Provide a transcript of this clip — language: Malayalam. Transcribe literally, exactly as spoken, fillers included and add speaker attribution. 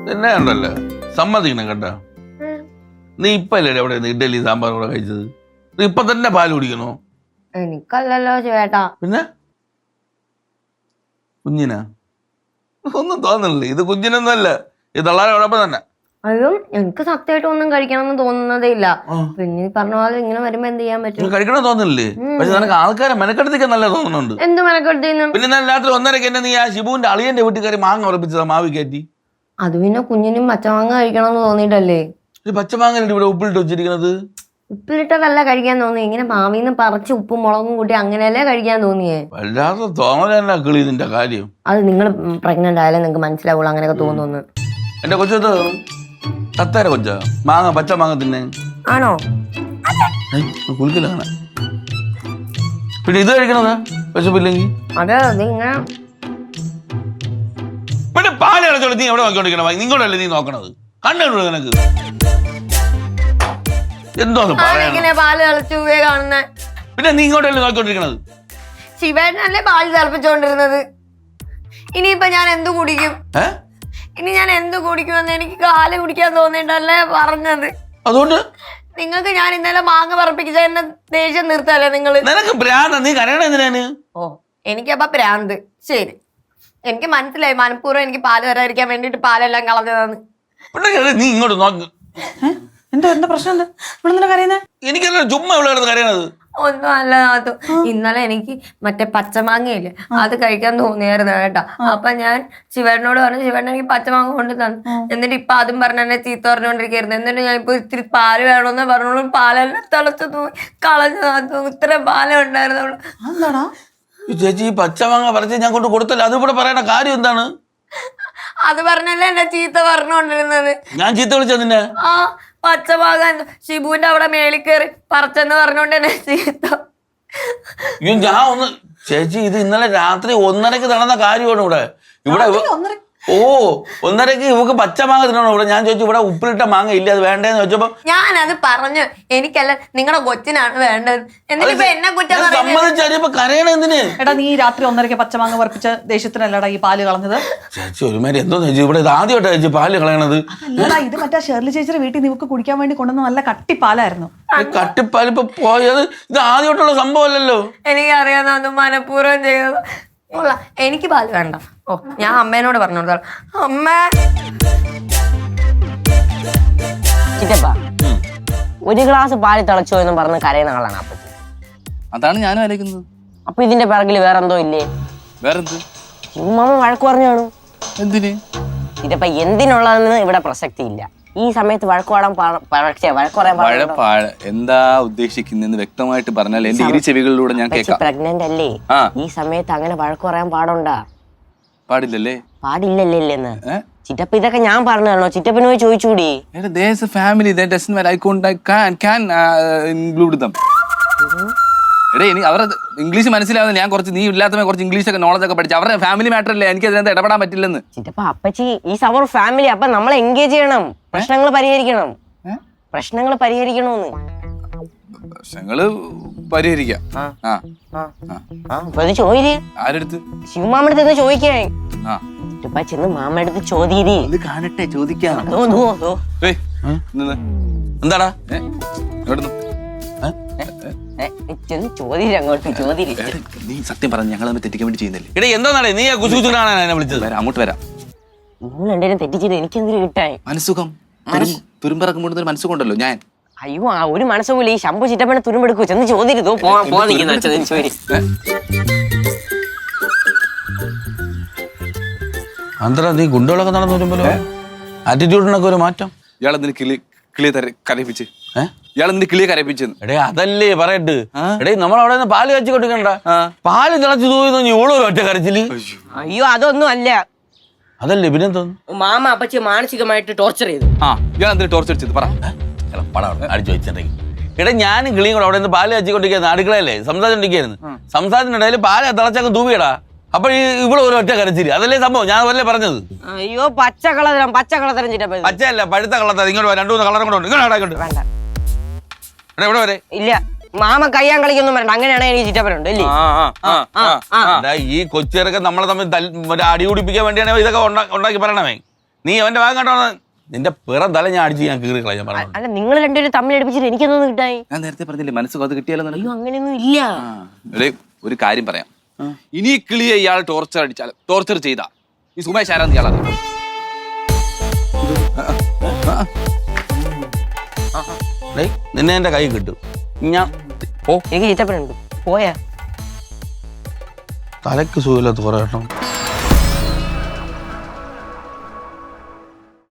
Speaker 1: എന്നെ ഉണ്ടല്ലോ സമ്മതിക്കണം കേട്ടോ. നീ ഇപ്പല്ലേ എവിടെ ഇഡലി സാമ്പാർ കൂടെ കഴിച്ചത്? നീ ഇപ്പൊ തന്നെ പാല് കുടിക്കണോ?
Speaker 2: എനിക്കല്ലല്ലോ ചേട്ടാ.
Speaker 1: പിന്നെ കുഞ്ഞിനാ? ഒന്നും തോന്നണില്ലേ? ഇത് കുഞ്ഞിനൊന്നുമല്ല, ഇത് തള്ളാരോടൊപ്പം തന്നെ.
Speaker 2: അയ്യോ എനിക്ക് സത്യമായിട്ട് ഒന്നും കഴിക്കണമെന്ന് തോന്നുന്നതേ ഇല്ല. പിന്നെ പറഞ്ഞ പോലെ ഇങ്ങനെ വരുമ്പോ എന്ത് ചെയ്യാൻ പറ്റും?
Speaker 1: കഴിക്കണം തോന്നില്ലേ? പക്ഷെ നിനക്ക് ആൾക്കാരെ മെനക്കെടുത്തേക്ക് നല്ല തോന്നുന്നുണ്ട്.
Speaker 2: എന്ത് മെനക്കെടുത്തേന്ന്?
Speaker 1: പിന്നെ ഞാൻ രാത്രി ഒന്നരക്ക് എന്നെ നീ ആ ഷിബുവിന്റെ അളിയന്റെ വീട്ടിൽ കയറി മാങ്ങ ഉറപ്പിച്ചതാ മാവി കയറ്റി.
Speaker 2: അത് പിന്നെ കുഞ്ഞിനും പച്ചമാങ്ങ കഴിക്കണമെന്ന് തോന്നിട്ടല്ലേ?
Speaker 1: പച്ചമാങ്ങ ഇവിടെ ഉപ്പിലിട്ട് വെച്ചിരിക്കണത്.
Speaker 2: ഉപ്പിലിട്ടതല്ല കഴിക്കാൻ തോന്നി, ഇങ്ങനെ മാവിന്ന് പറിച്ച് ഉപ്പും മുളകും കൂട്ടി അങ്ങനെയല്ലേ കഴിക്കാൻ തോന്നിയേ.
Speaker 1: വല്ലാതെ തോന്നല കിളി നിന്റെ കാര്യം.
Speaker 2: അത് നിങ്ങൾ പ്രഗ്നന്റ് ആയാലേ നിങ്ങൾക്ക് മനസ്സിലാവുള്ളൂ അങ്ങനെയൊക്കെ തോന്നുന്നു.
Speaker 1: എന്റെ കൊച്ചത് തത്തേര കൊച്ച മാങ്ങ പച്ച മാങ്ങ തിന്നെ
Speaker 2: ആണോ?
Speaker 1: കുളിക്കില്ല. പിന്നെ ഇത് കഴിക്കണതാ വിശപ്പില്ലെങ്കിൽ.
Speaker 2: അതെ ഇങ്ങനെ
Speaker 1: പിന്നെ പാല് കളച്ചോളൂ. നീ എവിടെ നോക്കിക്കൊണ്ടിരിക്കണ? നിങ്ങളല്ലേ നീ നോക്കണത്? കണ്ടു നിനക്ക് എന്തോന്ന് പറയാ?
Speaker 2: പാല് തിളച്ചു കാണുന്ന
Speaker 1: പിന്നെ നീ ഇങ്ങോട്ടല്ലേ നോക്കിക്കൊണ്ടിരിക്കണത്?
Speaker 2: ശിവേട്ടനല്ലേ പാല് തിളപ്പിച്ചോണ്ടിരുന്നത്. ഇനിയിപ്പൊ ഞാൻ എന്ത് കുടിക്കും? ഇനി ഞാൻ എന്ത് കുടിക്കുമെന്ന് എനിക്ക് കാല് കുടിക്കാൻ തോന്നിട്ടല്ലേ പറഞ്ഞത്. അതുകൊണ്ട് നിങ്ങൾക്ക് ഞാൻ ഇന്നലെ മാങ്ങ പറപ്പിച്ച എന്നെ ദേഷ്യം നിർത്തല്ലേ നിങ്ങള്?
Speaker 1: നിനക്ക് ഭ്രാന്ത്. നീ കരയണ എന്തിനാണ്?
Speaker 2: ഓ എനിക്കപ്പ ഭ്രാന്ത്. ശരി, എനിക്ക് മനസ്സിലായി മനഃപൂർവ്വം എനിക്ക് പാല് വരാതിരിക്കാൻ വേണ്ടിട്ട് പാലെല്ലാം കളഞ്ഞതാണ്.
Speaker 1: നീ ഇങ്ങോട്ട് നോക്ക്.
Speaker 3: എന്താ എന്താ പ്രശ്നം? എന്താ ഇവിടെ കരയുന്നേ?
Speaker 1: എനിക്കല്ല ചുമ്മാ ഇവിടെ കരയണത്.
Speaker 2: ഒന്നും അല്ല നാത്തു, ഇന്നലെ എനിക്ക് മറ്റേ പച്ചമാങ്ങയില്ലേ അത് കഴിക്കാൻ തോന്നിയായിരുന്നു കേട്ടാ. അപ്പൊ ഞാൻ ശിവേട്ടനോട് പറഞ്ഞു, ശിവേട്ടൻ എനിക്ക് പച്ചമാങ്ങ കൊണ്ട് തന്നു. എന്നിട്ട് ഇപ്പൊ അതും പറഞ്ഞ എന്നെ ചീത്ത പറഞ്ഞുകൊണ്ടിരിക്കുന്നു. എന്നിട്ട് ഞാൻ ഇപ്പൊ ഇത്തിരി പാല് വേണമെന്ന് പറഞ്ഞോളൂ, പാലെല്ലാം തിളച്ചു തൂങ്ങി കളഞ്ഞു നാത്തു. ഇത്ര പാലേ ഉണ്ടായിരുന്നുള്ളൂ.
Speaker 3: എന്താടാ
Speaker 1: ചേച്ചി ഈ പച്ചമാങ്ങ പറിച്ച് ഞാൻ കൊണ്ട് കൊടുത്തല്ലോ, അത് ഇവിടെ പറയണ കാര്യം എന്താണ്?
Speaker 2: അത് പറഞ്ഞല്ലേ എന്നെ ചീത്ത പറഞ്ഞുകൊണ്ടിരുന്നത്.
Speaker 1: ഞാൻ ചീത്ത വിളിച്ചതിന്റെ
Speaker 2: ആ പച്ചമാങ്ങ ഷിബുവിന്റെ അവിടെ മേളിൽ കയറി പറിച്ചെന്ന് പറഞ്ഞോണ്ട് തന്നെ ചീത്ത.
Speaker 1: ഞാൻ ഒന്ന് ചേച്ചി ഇത് ഇന്നലെ രാത്രി ഒന്നരക്ക് നടന്ന കാര്യമാണ് ഇവിടെ. ഇവിടെ ഓ ഒന്നരക്ക് ഇവക്ക് പച്ചമാങ്ങ തിന്നണോ ഇവിടെ? ഞാൻ ചോദിച്ചു ഇവിടെ ഉപ്പിലിട്ട മാങ്ങ ഇല്ല, അത് വേണ്ടേന്ന് ചോദിച്ചപ്പോ
Speaker 2: ഞാനത് പറഞ്ഞു എനിക്കല്ല നിങ്ങളുടെ കൊച്ചിനാണ് വേണ്ടത്. എന്നിട്ട് എന്നെ കുറ്റം
Speaker 1: സമ്മതിച്ചപ്പോ കരയണ എന്തിന്?
Speaker 3: എടാ നീ രാത്രി ഒന്നരക്ക് പച്ചമാങ്ങ പറപ്പിച്ച ദേഷ്യത്തിനല്ലടാ ഈ പാല് കളഞ്ഞത്.
Speaker 1: ചേച്ചി ഒരുമാതിരി എന്തോ ചേച്ചി ഇവിടെ ഇത് ആദ്യമായിട്ടാ ചേച്ചി പാല് കളയണത്.
Speaker 3: അല്ലടാ ഇത് മറ്റേ ഷേർലി ചേച്ചിയുടെ വീട്ടിൽ നിനക്ക് കുടിക്കാൻ വേണ്ടി കൊണ്ടുവന്ന നല്ല കട്ടിപ്പാലായിരുന്നു.
Speaker 1: കട്ടിപ്പാൽ ഇപ്പൊ പോയത് ഇത് ആദ്യമായിട്ടുള്ള സംഭവമല്ലല്ലോ.
Speaker 2: എനിക്കറിയാം അത് മനഃപൂർവ്വം ചെയ്തത്. എനിക്ക് പാല് വേണ്ട. ഓ ഞാൻ അമ്മേനോട് പറഞ്ഞു കൊടുത്താൽ അമ്മ
Speaker 4: ചിറ്റപ്പ ഒരു ഗ്ലാസ് പാല് തിളച്ചോ എന്ന് പറഞ്ഞ് കരയുന്ന ആളാണ് അപ്പച്ചി.
Speaker 5: അതാണ് ഞാനും ആലോചിക്കുന്നത്.
Speaker 4: അപ്പൊ ഇതിന്റെ പിറകില് വേറെന്തോ ഇല്ലേ?
Speaker 5: വേറെന്ത്?
Speaker 4: ഉമ്മ വഴക്ക് പറഞ്ഞു കാണും.
Speaker 5: എന്തിന്?
Speaker 4: ചിറ്റപ്പ എന്തിനുള്ളതെന്ന് ഇവിടെ പ്രസക്തി ഇല്ല. ഈ സമയത്ത് വഴക്ക് പാടാൻ
Speaker 5: വഴപ്പാഴ എന്താ ഉദ്ദേശിക്കുന്നെന്ന് വ്യക്തമായിട്ട് പറഞ്ഞാൽ എന്റെ ഇരു ചെവികളിലൂടെ ഞാൻ കേൾക്കാം.
Speaker 4: പ്രഗ്നന്റ് അല്ലേ? ഈ സമയത്ത് അങ്ങനെ വഴക്ക് പറയാൻ പാടുണ്ടാ?
Speaker 5: പാടില്ലല്ലേ?
Speaker 4: പാടില്ലല്ലേന്ന് ചിറ്റപ്പ ഇതൊക്കെ ഞാൻ പറഞ്ഞു തരണോ? ചിറ്റപ്പന് പോയി ചോദിച്ചൂടി.
Speaker 5: ഫാമിലി അവരുടെ ഇംഗ്ലീഷ് മനസ്സിലാവുന്ന ഞാൻ കുറച്ച് നീ ഇല്ലാത്ത കുറച്ച് ഇംഗ്ലീഷ് ഒക്കെ നോളജ് ഒക്കെ പഠിച്ചു. അവരുടെ ഫാമിലി മാറ്റർ അല്ലേ, എനിക്ക് അതിനകത്ത് ഇടപെടാൻ പറ്റില്ലെന്ന്.
Speaker 4: ചിറ്റപ്പ അപ്പച്ചി ഈ സമർ ഫാമിലി, അപ്പൊ നമ്മളെ എൻഗേജ് ചെയ്യണം, പ്രശ്നങ്ങൾ പരിഹരിക്കണം. പ്രശ്നങ്ങൾ പരിഹരിക്കണോന്ന്.
Speaker 5: പ്രശ്നങ്ങള് പരിഹരിക്കാം.
Speaker 4: ചോദിര്
Speaker 5: ആരെടുത്ത്?
Speaker 4: ശിവമാമടുത്ത് ചോദിക്കേ. ചിറ്റപ്പ ചെന്ന് മാമടുത്ത് ചോദ്യരി
Speaker 5: കാണട്ടെ, ചോദിക്കാം.
Speaker 1: എന്താടാ
Speaker 4: ചോദ്യം അങ്ങോട്ട് ചോദ്യം.
Speaker 5: നീ സത്യം പറഞ്ഞു ഞങ്ങൾ തമ്മിൽ തെറ്റിക്കാൻ വേണ്ടി ചെയ്യുന്നില്ലേ?
Speaker 1: എടേ എന്താ നീ കുസുകുസുനാണ് എന്നെ വിളിച്ചത്?
Speaker 5: അങ്ങോട്ട് വരാം.
Speaker 4: നിങ്ങൾ രണ്ടുപേരും തെറ്റിച്ചിട്ട് എനിക്ക് എന്തിനു കിട്ടാൻ?
Speaker 5: മനസ്സുഖം തുരുമ്പിറക്കം കൊണ്ടുവന്ന മനസ്സുകൊണ്ടല്ലോ ഞാൻ.
Speaker 4: അയ്യോ ആ ഒരു മനസ്സുപോലെ ഈ ശമ്പു ചിറ്റപ്പനെ തുരുമ്പെടുക്കൂ. ചെന്ന് ചോദ്യരുതോ
Speaker 1: അന്തര നീ ഗുണ്ടകളൊക്കെ നടന്നു വരുമ്പോ ആറ്റിറ്റ്യൂഡിനൊക്കെ ഒരു മാറ്റം.
Speaker 5: ഇയാളെന്തിന് കിളി കിളിയെ കരയിപ്പിച്ച് ഇയാളെന്തിന് കിളിയെ കരയിപ്പിച്ചെന്ന്?
Speaker 1: എടേ അതല്ലേ പറയട്ട്. എടേ നമ്മളവിടെ നിന്ന് പാല് കച്ചി കൊടുക്കണ്ട, പാല് തിളച്ചു തൂങ്ങി ഇവളൊരു ഒറ്റ കരച്ചില്.
Speaker 4: അയ്യോ അതൊന്നും അല്ല.
Speaker 1: അതല്ലേ പിന്നെ തോന്നുന്നു
Speaker 4: മാമ അപ്പച്ചി മാനസികമായിട്ട് ടോർച്ചർ ചെയ്തു.
Speaker 5: ആ ഇയാൾ എന്തിനു ടോർച്ചർ ചെയ്ത് പറ
Speaker 1: അടിച്ചു വെച്ചിട്ടുണ്ടെങ്കിൽ. എടാ ഞാനും കിളിയും കൂടെ അവിടെ നിന്ന് പാല് കച്ചിക്കൊണ്ടിരിക്കുന്നു, അടുക്കളയല്ലേ സംസാരിച്ചോണ്ടിരിക്കുന്നു. സംസാരത്തിനിടയിൽ പാല് തിളച്ചങ്ങ് തൂവിയടാ. അപ്പൊ ഇവിടെ ഒരു ഒറ്റ കരച്ചില്. അതല്ലേ സംഭവം, ഞാൻ അതല്ലേ പറഞ്ഞത്.
Speaker 4: അയ്യോ പച്ച കളതരം പച്ച കളതരം ചിറ്റപ്പ.
Speaker 1: പച്ചയല്ല പഴുത്ത കളത്തരം. ഇങ്ങോട്ട് രണ്ടു മൂന്ന് കളറും കൂടെ ഉണ്ട്. ഇങ്ങോട്ട് വേണ്ട ഇവിടെ വരെ
Speaker 4: ഇല്ല. മാമ കയ്യാൻ കളിക്കൊന്നും വേണ്ട, അങ്ങനെയാണ് എനിക്ക് ചിറ്റപ്പനുണ്ട് അല്ലേ?
Speaker 1: ഈ കൊച്ചിറക്കെ നമ്മളെ തമ്മിൽ അടി കുടിപ്പിക്കാൻ വേണ്ടിയാണ് ഇതൊക്കെ ഉണ്ടാക്കി പറയണമേ. നീ അവന്റെ ഭാഗം കേട്ടോ നിന്റെ പിറം തല ഞാൻ അടിച്ച് ഞാൻ കീറി കളയാൻ പറഞ്ഞു
Speaker 4: അല്ല നിങ്ങൾ രണ്ടുപേരും തമ്മിൽ അടുപ്പിച്ചിട്ട് എനിക്കൊന്നും കിട്ടായി.
Speaker 5: ഞാൻ നേരത്തെ പറഞ്ഞില്ലേ മനസ്സ് അത് കിട്ടിയാലോ എന്ന്.
Speaker 4: അയ്യോ അങ്ങനെയൊന്നും ഇല്ല.
Speaker 5: എടേ, ഒരു കാര്യം പറയാം. ഇനി ഈ കിളിയെ ഇയാൾ ടോർച്ചർ അടിച്ചാൽ ടോർച്ചർ ചെയ്താ ഈ സുമേഷ് ആരാന്ന് ഇയാൾ അറിയാം.
Speaker 1: ഡേയ് നിന്നെ എന്റെ കൈ കിട്ടും ഞാൻ
Speaker 4: ഓ എനിക്ക് ചീത്തപ്പനുണ്ട് പോയാ
Speaker 1: തലക്ക് സുഖമില്ലാത്ത കുറെ കേട്ടോ